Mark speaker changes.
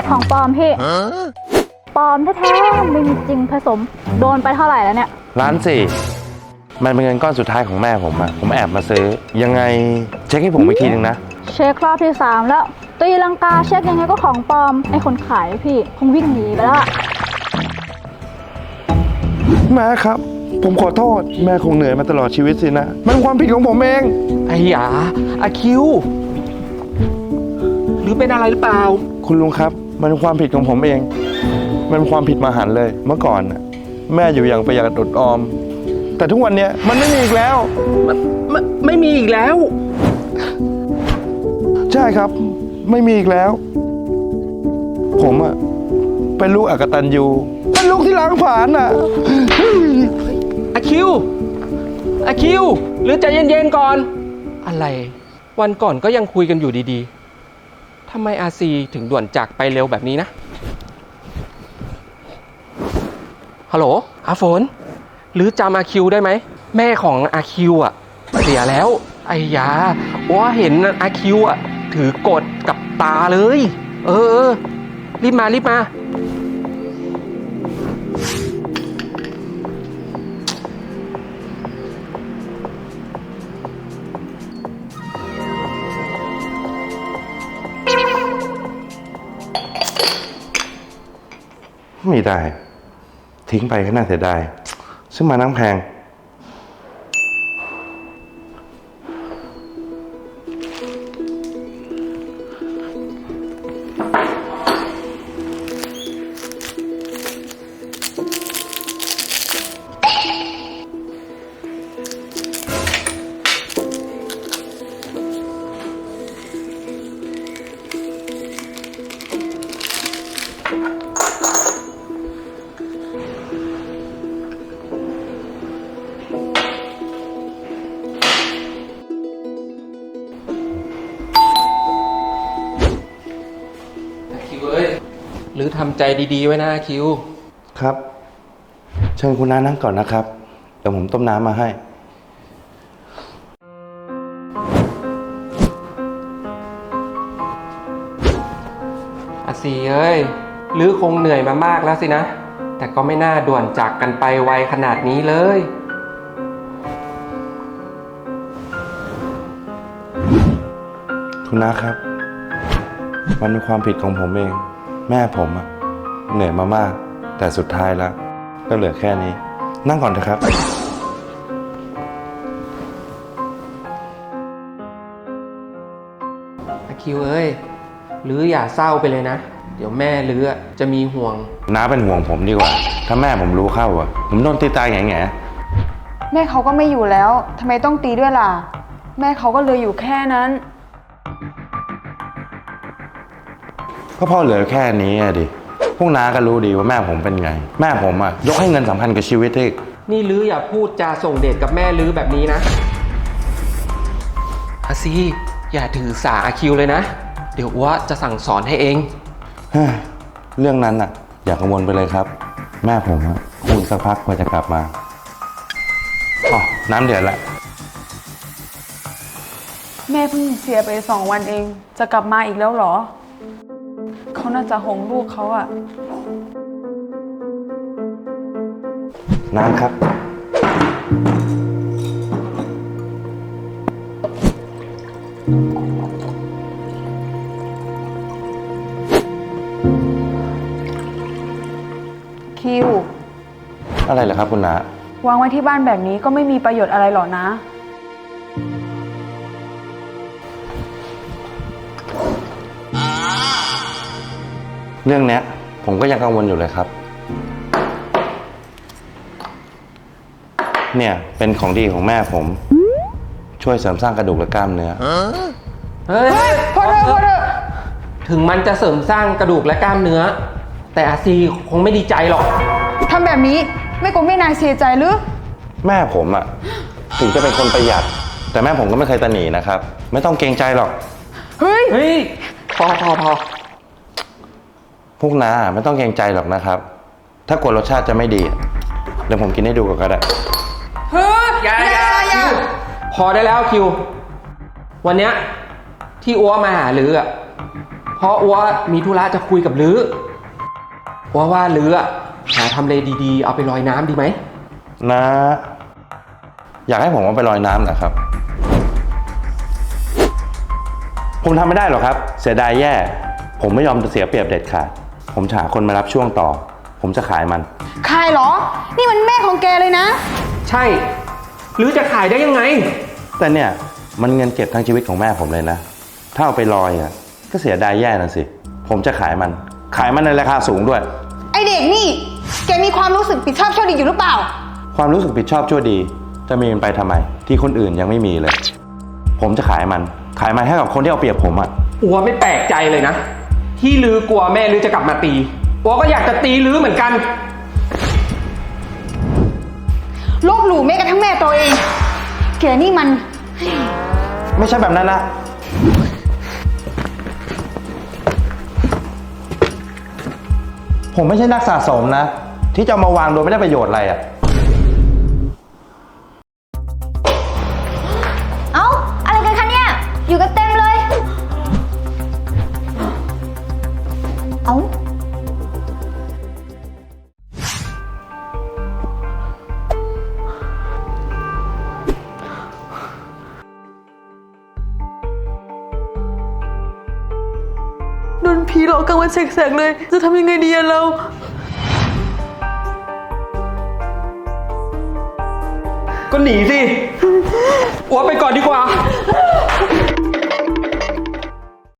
Speaker 1: ของปลอมพี่ปลอมแท้ๆไม่มีจริงผสมโดนไปเท่าไหร่แล้วเนี่ย
Speaker 2: 1,400,000มันเป็นเงินก้อนสุดท้ายของแม่ผมอะผมแอบมาซื้อยังไงเช็คให้ผมอีกทีนึงนะ
Speaker 1: เช็ครอบที่3แล้วตีลังกาเช็คยังไงก็ของปลอมไอ้คนขายพี่คงวิ่งหนีไปแล้ว
Speaker 2: แม่ครับผมขอโทษแม่คงเหนื่อยมาตลอดชีวิตสินะมันความผิดของผมเอง
Speaker 3: ไอ้หยาอาคิวหรือเป็นอะไรหรือเปล่า
Speaker 2: คุณลุงครับมันความผิดของผมเองมันความผิดมหันต์เลยเมื่อก่อนน่ะแม่อยู่อย่างประหยัดอดออมแต่ทุกวันนี้มันไม่มีอีกแล้ว
Speaker 3: ไม่มีอีกแล้ว
Speaker 2: ใช่ครับไม่มีอีกแล้วผมอะเป็นลูกอกตัญญูเป็นลูกที่ล้างผลาญน่ะ
Speaker 3: อาคิวหรือใจเย็นๆก่อนอะไรวันก่อนก็ยังคุยกันอยู่ดีๆทำไมอาซีถึงด่วนจากไปเร็วแบบนี้นะฮัลโหลอาฝนหรือจำอาคิวได้ไหมแม่ของอาคิวอ่ะเสียแล้วไอ้ยาว่าเห็นอาคิวอ่ะถือกดกับตาเลยเออรีบมา
Speaker 2: ไม่ได้ทิ้งไปก็น่าเสียดายซึ่งมานั่งแพง
Speaker 3: หรือทำใจดีๆไว้นะคิว
Speaker 2: ครับเชิญคุณน้านั่งก่อนนะครับเดี๋ยวผมต้มน้ำมาให้
Speaker 3: อาซีเอ้ยหรือคงเหนื่อยมามากแล้วสินะแต่ก็ไม่น่าด่วนจากกันไปไวขนาดนี้เลย
Speaker 2: คุณน้าครับมันเป็นความผิดของผมเองแม่ผมอะเหนื่อยมามากแต่สุดท้ายแล้วก็เหลือแค่นี้นั่งก่อนเถอะครับ
Speaker 3: อาคิวเอ้ยหรืออย่าเศร้าไปเลยนะเดี๋ยวแม่หรือจะมีห่วง
Speaker 2: น้าเป็นห่วงผมดีกว่าถ้าแม่ผมรู้เข้าอะผมโดนตีตายแง่
Speaker 4: แม่เขาก็ไม่อยู่แล้วทำไมต้องตีด้วยล่ะแม่เขาก็เหลืออยู่แค่นั้น
Speaker 2: ก็พ่อเหลือแค่นี้อะดิพวกน้าก็รู้ดีว่าแม่ผมเป็นไงแม่ผมอะยกให้เงินสำคัญกับชีวิตอีก
Speaker 3: นี่ลืออย่าพูดจาส่งเดชกับแม่ลือแบบนี้นะอาซีอย่าถือสาอาคิวเลยนะเดี๋ยวว่าจะสั่งสอนให้เอง
Speaker 2: เรื่องนั้นอะอย่ากังวลไปเลยครับแม่ผมอะคงสักพักกว่าจะกลับมาอ๋อน้ำเดือดละ
Speaker 4: แม่เพิ่งเสียไป2 วันเองจะกลับมาอีกแล้วเหรอเขาน่าจะห่วงลูกเขาอะ
Speaker 2: น้ำครับ
Speaker 4: คิว
Speaker 2: อะไรเหรอครับคุณน้
Speaker 4: าวางไว้ที่บ้านแบบนี้ก็ไม่มีประโยชน์อะไรหรอกนะ
Speaker 2: เรื่องนี้ผมก็ยังกังวลอยู่เลยครับเนี่ยเป็นของดีของแม่ผมช่วยเสริมสร้างกระดูกและกล้ามเนื้อ
Speaker 3: เฮ้ยพอเถอะถึงมันจะเสริมสร้างกระดูกและกล้ามเนื้อแต่อาซีคงไม่ดีใจหรอก
Speaker 4: ทำแบบนี้ไม่กลัวแม่นายเสียใจหรือ
Speaker 2: แม่ผมอะถึงจะเป็นคนประหยัดแต่แม่ผมก็ไม่เคยตะหนีนะครับไม่ต้องเกรงใจหรอก
Speaker 4: เฮ้ย
Speaker 3: พอ
Speaker 2: พวกน้าไม่ต้องเกรงใจหรอกนะครับถ้ากลัวรสชาติจะไม่ดีเดี๋ยวผมกินให้ดูก่อนก็ได้
Speaker 3: เฮ้ยอย่าพอได้แล้วคิววันเนี้ยที่อ้วมาหาลืออะเพราะอัวมีธุระจะคุยกับลืออัวว่าลืออะหาทำเลดีๆ เอาไปลอยน้ำดีไหม
Speaker 2: นะ อยากให้ผมเอาไปลอยน้ำเหรอครับ ผมทำไม่ได้หรอกครับ เสียดายแย่ ผมไม่ยอมเสียเปรียบเด็ดขาด ผมจะหาคนมารับช่วงต่อ ผมจะขายมัน
Speaker 5: ขายเหรอ นี่มันแม่ของแกเลยนะ
Speaker 3: ใช่หรือจะขายได้ยังไง
Speaker 2: แต่เนี่ยมันเงินเก็บทั้งชีวิตของแม่ผมเลยนะ ถ้าเอาไปลอยอ่ะก็เสียดายแย่นะสิ ผมจะขายมันในราคาสูงด้วย
Speaker 5: ไอเด็กนี่ แกมีความรู้สึกผิดชอบชั่วดีอยู่หรือเปล่า
Speaker 2: ความรู้สึกผิดชอบชั่วดี จะมีมันไปทำไม ที่คนอื่นยังไม่มีเลย ผมจะขายมันให้กับคนที่เอาเปรียบผมอ่ะ
Speaker 3: อัวไม่แปลกใจเลยนะ ที่ลือกลัวแม่ลือจะกลับมาตีอัวก็อยากจะตีลือเหมือนกัน
Speaker 5: ลบหลู่แม้กระทั่งแม่ตัวเอง แกนี่มัน
Speaker 2: ไม่ใช่แบบนั้นนะ ผมไม่ใช่นักสะสมนะ ที่จะเอามาวางโดยไม่ได้ประโยชน์อะไรอ่ะ
Speaker 6: เอ้า อะไรกันคะเนี่ย อยู่กันเต็มเลย เอ้า
Speaker 4: โดนผีหลอกกลางวันแสกๆเลย จะทำยังไงดีอะเรา
Speaker 3: ก็หนีสิอัวไปก่อนดีกว่า